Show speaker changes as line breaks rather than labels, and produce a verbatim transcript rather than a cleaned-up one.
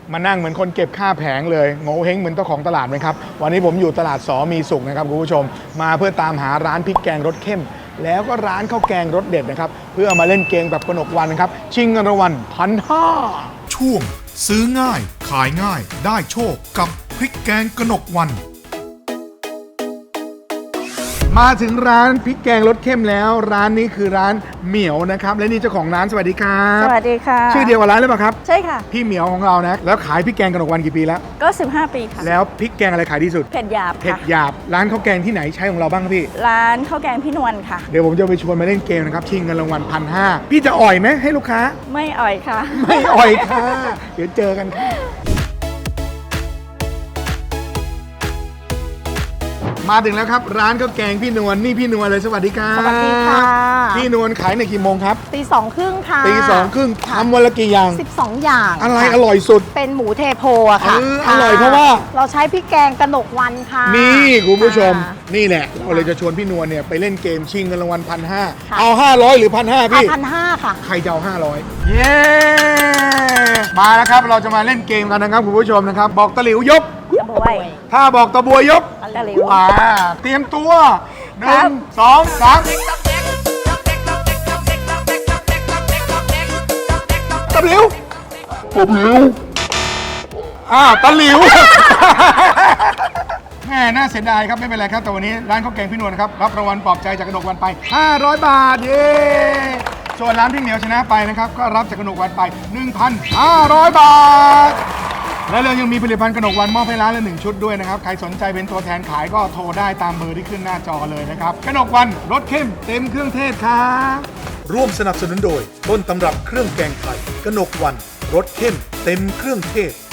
มานั่งเหมือนคนเก็บค่าแผงเลยโง่เฮงเหมือนเจ้าของตลาดไหมครับวันนี้ผมอยู่ตลาดสอมีสุขนะครับคุณผู้ชมมาเพื่อตามหาร้านพริกแกงรสเข้มแล้วก็ร้านข้าวแกงรสเด็ดนะครับเพื่อมาเล่นเกมแบบกนกวันนะครับชิงเงินรางวัลพันห้า
ช่วงซื้อง่ายขายง่ายได้โชคกับพริกแกงกนกวัน
มาถึงร้านพริกแกงรสเข้มแล้วร้านนี้คือร้านเหมียวนะครับและนี่เจ้าของร้านสวัสดีครับ
สวัสดีค่ะ
ชื่อเดียวกับร้านหรือเปล่าครับ
ใช่ค่ะ
พี่เหมียวของเรานะแล้วขายพริกแกงกนกวันกี่ปีแล้ว
ก็สิบห้าปีค่ะ
แล้วพริกแกงอะไรขายดีสุด
เผ็ดหยาบ
เผ็ดหยาบร้านข้าวแกงที่ไหนใช้ของเราบ้างครับพี่
ร้านข้าวแกงพี่นวลค่ะ
เดี๋ยวผมจะไปชวนมาเล่นเกมนะครับชิงเงินรางวัลพันห้าพี่จะอ่อยไหมให้ลูกค้า
ไม่อ่อยค่ะ
ไม่อ่อยค่ะเดี๋ยวเจอกันค่ะมาถึงแล้วครับร้านข้าวแกงพี่นวลนี่พี่นวลเลยสวัสดีครับ
สวัสดีค่ะ
พี่นวลขายในกี่โมงครับ
ตีสองครึ่งค่ะ
ตีสองครึ่งทำวันละกี่อย่าง
สิบสองอย่าง
อะไรอร่อยสุด
เป็นหมูเทโพอะค่ะ
อร่อยเพราะว่า
เราใช้พริกแกงกนกวันค่ะ
นี่คุณผู้ชมนี่แหละเราเลยจะชวนพี่นวลเนี่ยไปเล่นเกมชิงเงินรางวัลพันห้าเอาห้าร้อยหรือพันห้าพี่
พันห้าค่ะ
ใครจะเอาห้าร้อยเย้มาแล้วครับเราจะมาเล่นเกมกันนะครับคุณผู้ชมนะครับบอกตะหลิวยก
ตะบวย
ถ้าบอกตะบวยยก
ตะหลิว
อ่าเตรียมตัวหนึ่งสองสามตะหลิวตะหลิวอ้าวตะหลิวแม่น่าเสียดายครับไม่เป็นไรครับแต่วันนี้ร้านข้าวแกงพี่นวลนะครับรับรางวัลปลอบใจจากกนกวันไปห้าร้อยบาทเย้ส่วนร้านพี่เหมียวชนะไปนะครับก็รับจากกนกวันไป หนึ่งพันห้าร้อย บาทและเรายังมีผลิตภัณฑ์กนกวันมอบให้ร้านละหนึ่งชุดด้วยนะครับใครสนใจเป็นตัวแทนขายก็โทรได้ตามเบอร์ที่ขึ้นหน้าจอเลยนะครับกนกวันรสเข้มเต็มเครื่องเทศครับ
ร่วมสนับสนุนโดยต้นตำรับเครื่องแกงไทยกนกวันรสเข้มเต็มเครื่องเทศ